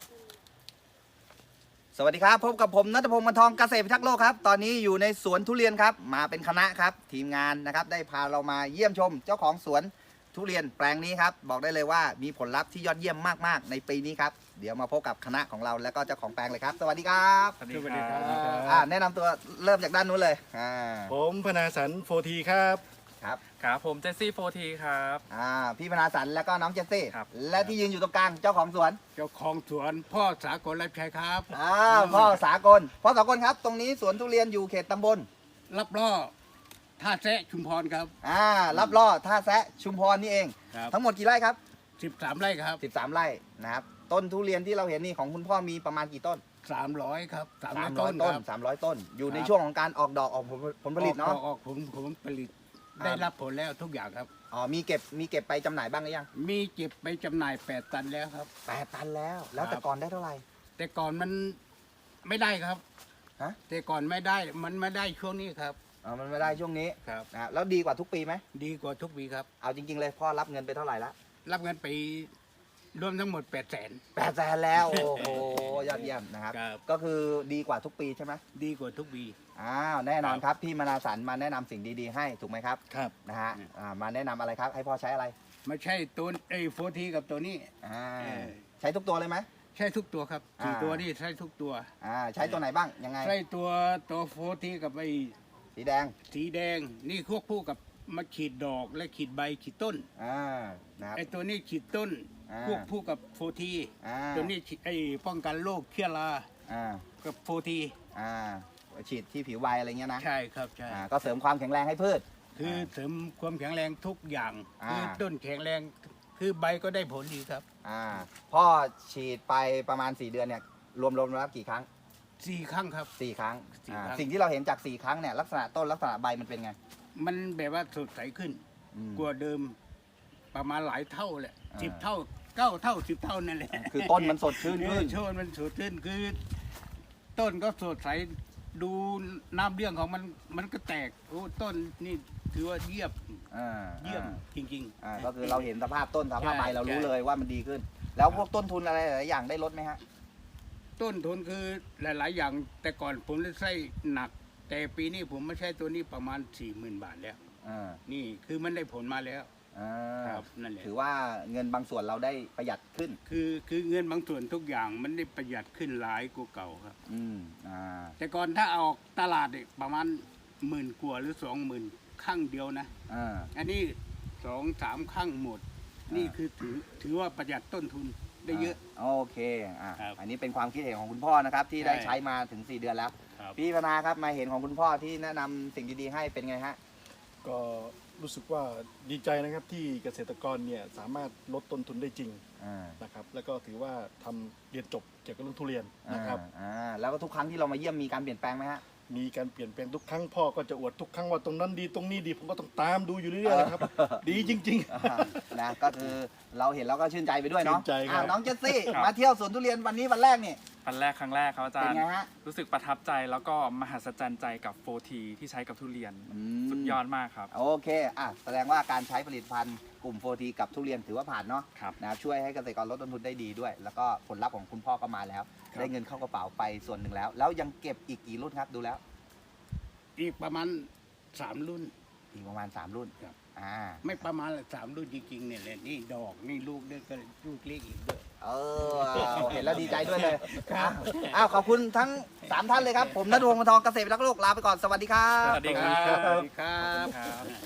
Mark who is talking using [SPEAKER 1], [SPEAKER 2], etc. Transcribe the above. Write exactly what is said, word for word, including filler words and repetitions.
[SPEAKER 1] สวัสดีครับพบกับผมณัฐพงศ์ มนทองเกษตรพิทักษ์โลกครับตอนนี้อยู่ในสวนทุเรียนครับมาเป็นคณะครับทีมงานนะครับได้พาเรามาเยี่ยมชมเจ้าของสวนทุเรียนแปลงนี้ครับบอกได้เลยว่ามีผลลัพธ์ที่ยอดเยี่ยมมากๆในปีนี้ครับเดี๋ยวมาพบกับคณะของเราแล้วก็เจ้าของแปลงเลยครับสวัสดีครับ
[SPEAKER 2] สวัสดีครับ
[SPEAKER 1] อ่าแนะนำตัวเริ่มจากด้านนู้นเลยอ่า
[SPEAKER 2] ผมพนาสันโฟทีครับ
[SPEAKER 1] ครับ
[SPEAKER 3] ครับผมเจสซี่โฟทีครับ
[SPEAKER 1] อ่าพี่พนาสันแล้วก็น้องเจสซี่
[SPEAKER 3] ครับ
[SPEAKER 1] และที่ยืนอยู่ตรงกลางเจ้าของสวน
[SPEAKER 4] เจ้าของสวนพ่อสากลรับใช้ครับ
[SPEAKER 1] อ่าพ่อสากลพ่อสากลครับตรงนี้สวนทุเรียนอยู่เขตตำบล
[SPEAKER 4] รับล่อท่าแซะชุมพรครับ
[SPEAKER 1] อ่ารับล่อท่าแซะชุมพรนี่เอง
[SPEAKER 4] ครับ
[SPEAKER 1] ทั้งหมดกี่ไร่ครับ
[SPEAKER 4] สิบสามไร่ครับ
[SPEAKER 1] สิบสามไร่นะครับต้นทุเรียนที่เราเห็นนี่ของคุณพ่อมีประมาณกี่ต้น
[SPEAKER 4] สามร้อยครับสามร้อย
[SPEAKER 1] สามร้
[SPEAKER 4] ต้
[SPEAKER 1] อย
[SPEAKER 4] น
[SPEAKER 1] ต้น
[SPEAKER 4] ครับ
[SPEAKER 1] สามร้อยต้น อยู่ใน
[SPEAKER 4] ครับ
[SPEAKER 1] ช่วงของการออกดอกออกผลผลผลิตเนาะ
[SPEAKER 4] ออกออกผมผมผลิต
[SPEAKER 1] ครับ
[SPEAKER 4] ได้รับผลแล้วทุกอย่างครับ
[SPEAKER 1] อ๋อมีเก็บมีเก็บไปจำหน่ายบ้างหรือยัง
[SPEAKER 4] มีเก็บไปจำหน่ายแปดตันแล้วครับ
[SPEAKER 1] แปดตันแล้ว แล้ว
[SPEAKER 4] ครับ
[SPEAKER 1] แต่ก่อนได้เท่าไหร่
[SPEAKER 4] แต่ก่อนมันไม่ได้ครับ
[SPEAKER 1] ฮะ
[SPEAKER 4] แต่ก่อนไม่ได้มันไม่ได้ช่วงนี้ครับ
[SPEAKER 1] อ๋อมันไม่ได้ช่วงนี้
[SPEAKER 4] ครับ
[SPEAKER 1] นะแล้วดีกว่าทุกปีไหม
[SPEAKER 4] ดีกว่าทุกปีครับ
[SPEAKER 1] เอาจริง ๆ เลยพ่อรับเงินไปเท่าไหร่ละ
[SPEAKER 4] รับเงินไปรวมทั้งหมดแปดแสน
[SPEAKER 1] แปดแสนแล้วโอ้โหยอดเยี่ยมนะครับ
[SPEAKER 4] ครับ
[SPEAKER 1] ก็คือดีกว่าทุกปีใช่ไหม
[SPEAKER 4] ดีกว่าทุกปี
[SPEAKER 1] อ้าวแน่นอนครับพี่มนาสันมาแนะนำสิ่งดีๆให้ถูกไหมครับ
[SPEAKER 4] ครับ
[SPEAKER 1] นะฮะอ่ามาแนะนำอะไรครับให้พ่อใช้อะไร
[SPEAKER 4] ไม่ใช่ตัวไอ้โฟทีกับตัวนี้
[SPEAKER 1] อ่า
[SPEAKER 4] เออ
[SPEAKER 1] ใช้ทุกตัวเลยไหม
[SPEAKER 4] ใช่ทุกตัวครับสี่
[SPEAKER 1] อ่า
[SPEAKER 4] ตัวนี่ใช่ทุกตัว
[SPEAKER 1] อ่าใช้ตัวไหนบ้างยังไง
[SPEAKER 4] ใช่ตัวตัวโฟทีกับไอ้
[SPEAKER 1] สีแดง
[SPEAKER 4] สีแดงนี่ควบคู่กับมาขีดดอกและขีดใบขีดต้น
[SPEAKER 1] อ่านะครับ
[SPEAKER 4] ไอ้ตัวนี้ขีดต้น
[SPEAKER 1] อ่า
[SPEAKER 4] ควบคู่กับโฟที
[SPEAKER 1] อ่า
[SPEAKER 4] ตัวนี้ฉีดไอ้ป้องกันโรคเชื้อรา
[SPEAKER 1] อ่า
[SPEAKER 4] กับโฟที
[SPEAKER 1] อ่าฉีดที่ผิวใบอะไรเงี้ยนะ
[SPEAKER 4] ใช่ครับใช่
[SPEAKER 1] อ่าก็เสริมความแข็งแรงให้พืช
[SPEAKER 4] คือเสริมความแข็งแรงทุกอย่าง
[SPEAKER 1] อ่า
[SPEAKER 4] คือต้นแข็งแรงคือใบก็ได้ผลดีครับ
[SPEAKER 1] อ่าพ่อฉีดไปประมาณสี่เดือนเนี่ยรวมๆแล้วกี่ครั้ง
[SPEAKER 4] สี่ครั้งครับ
[SPEAKER 1] สี่ครั้ง
[SPEAKER 4] สี่
[SPEAKER 1] อ่า
[SPEAKER 4] ครั้ง
[SPEAKER 1] สิ่งที่เราเห็นจากสี่ครั้งเนี่ยลักษณะต้นลักษณะใบมันเป็นไง
[SPEAKER 4] มันแบบว่าสดใสขึ้น
[SPEAKER 1] อืม
[SPEAKER 4] กว่าเดิมประมาณหลายเท่าแหละ
[SPEAKER 1] อ่า
[SPEAKER 4] สิบเท่าเก้าเท่าสิบเท่านั่นแหละ
[SPEAKER 1] คือต้นมันสดชื่น
[SPEAKER 4] เอ
[SPEAKER 1] ขึ้
[SPEAKER 4] อน โชนมันสดชื่นคือ ต้นก็สดใสดูน้ำเรื่องของมันมันก็แตกโอ้ต้นนี่ถือว่าเยี่ยม
[SPEAKER 1] อ่า
[SPEAKER 4] เยี่ยม
[SPEAKER 1] อ่า
[SPEAKER 4] จริง
[SPEAKER 1] อ่าก็คือเราเห็นสภาพต้นสภาพใบ
[SPEAKER 4] ใช่
[SPEAKER 1] เรารู้
[SPEAKER 4] ใช่
[SPEAKER 1] เลยว่ามันดีขึ้น แล้วพวกต้นทุนอะไรหลายๆอย่างได้ลดไหมฮะ
[SPEAKER 4] ต้นทุนคือหลาย ๆ อย่าง แต่ก่อนผมได้ใช้หนัก แต่ปีนี้ผมไม่ใช้ตัวนี้ประมาณสี่หมื่นบาทแล้ว
[SPEAKER 1] อ่า
[SPEAKER 4] นี่คือมันได้ผลมาแล้ว
[SPEAKER 1] อ่า
[SPEAKER 4] ครับนั่นแหละ
[SPEAKER 1] ถือว่าเงินบางส่วนเราได้ประหยัดขึ้น
[SPEAKER 4] คือคือเงินบางส่วนทุกอย่างมันได้ประหยัดขึ้นหลายกว่าเก่าครับ
[SPEAKER 1] อืมอ่า
[SPEAKER 4] แต่ก่อนถ้าเอาออกตลาดเนี่ยประมาณหมื่นกว่าหรือสองหมื่นข้างเดียวนะ
[SPEAKER 1] อ่า
[SPEAKER 4] อันนี้สองสามข้างหมด
[SPEAKER 1] อ่านี่
[SPEAKER 4] นี่คือถือถือว่าประหยัดต้นทุนได้เยอะ
[SPEAKER 1] โอเคอ่ะ
[SPEAKER 4] ครับ
[SPEAKER 1] อันนี้เป็นความคิดเห็นของคุณพ่อนะครับ ที่
[SPEAKER 4] ใช่
[SPEAKER 1] ได้ใช้มาถึงสี่เดือนแล้ว
[SPEAKER 4] ครับ
[SPEAKER 1] พี่พนาครับมาเห็นของคุณพ่อที่แนะนำสิ่งดีๆให้เป็นไงฮะ
[SPEAKER 2] ก็รู้สึกว่าดีใจนะครับที่เกษตรกรเนี่ยสามารถลดต้นทุนได้จริง
[SPEAKER 1] อ่า
[SPEAKER 2] นะครับแล้วก็ถือว่าทำเรียนจบเกี่ยวกับเรื่องทุเรียนนะครับ
[SPEAKER 1] อ่าแล้วก็ทุกครั้งที่เรามาเยี่ยมมีการเปลี่ยนแปลงไหมฮะ
[SPEAKER 2] มีการเปลี่ยนแปลงทุกครั้งพ่อก็จะอวดทุกครั้งว่าตรงนั้นดีตรงนี้ดีผมก็ต้องตามดูอยู่เรื่อยๆนะครับ ดีจริง
[SPEAKER 1] อ่านะก็คือเราเห็นแล้วก็ชื่นใจไปด้วยเนาะ
[SPEAKER 2] ชื่นใจครับ
[SPEAKER 1] อ่าน้องเจสซี่
[SPEAKER 3] ครับ
[SPEAKER 1] มาเที่ยวสวนทุเรียนวันนี้วันแรกนี่
[SPEAKER 3] วันแรกครั้งแรกครับอาจาร
[SPEAKER 1] เป็น
[SPEAKER 3] ย์
[SPEAKER 1] ไงฮะ
[SPEAKER 3] รู้สึกประทับใจแล้วก็มหัศจรรย์ใจกับโฟทีที่ใช้กับทุเรียน
[SPEAKER 1] อืม
[SPEAKER 3] สุดยอดมากครับ
[SPEAKER 1] โอเคอ่ะแสดงว่าการใช้ผลิตภัณฑ์กลุ่มโฟทีกับทุเรียนถือว่าผ่านเนาะ
[SPEAKER 3] ครับ
[SPEAKER 1] นะครับช่วยให้เกษตรกรลดต้นทุนได้ดีด้วย แล้วก็ผลลัพธ์ของคุณพ่อก็มาแล้ว
[SPEAKER 2] ครับ
[SPEAKER 1] ได้เงินเข้ากระเป๋าไปส่วนหนึ่งแล้ว แล้วยังเก็บอีกกี่รุ่นครับดูแล้ว
[SPEAKER 4] อีกประมาณสามรุ่น
[SPEAKER 1] อีกประมาณสามรุ่น
[SPEAKER 4] ครับ
[SPEAKER 1] อ่า
[SPEAKER 4] ไม่ประมาณละสามรุ่นจริงๆเนี่ยแหละนี่ดอกนี่ลูกด้วยก็ลูกเล็กอีกด้วย
[SPEAKER 1] เออเห็นแล้วดีใจด้วยเลย
[SPEAKER 4] ครับ
[SPEAKER 1] อ้าวขอบคุณทั้งสามท่านเลยครับ ผมณัฐพงศ์ มนทองเกษตรรักษ์โลกลาไปก่อนสวัสดีครับ
[SPEAKER 3] สวัสดีครับ
[SPEAKER 4] สวัสดีครับ
[SPEAKER 3] ครับ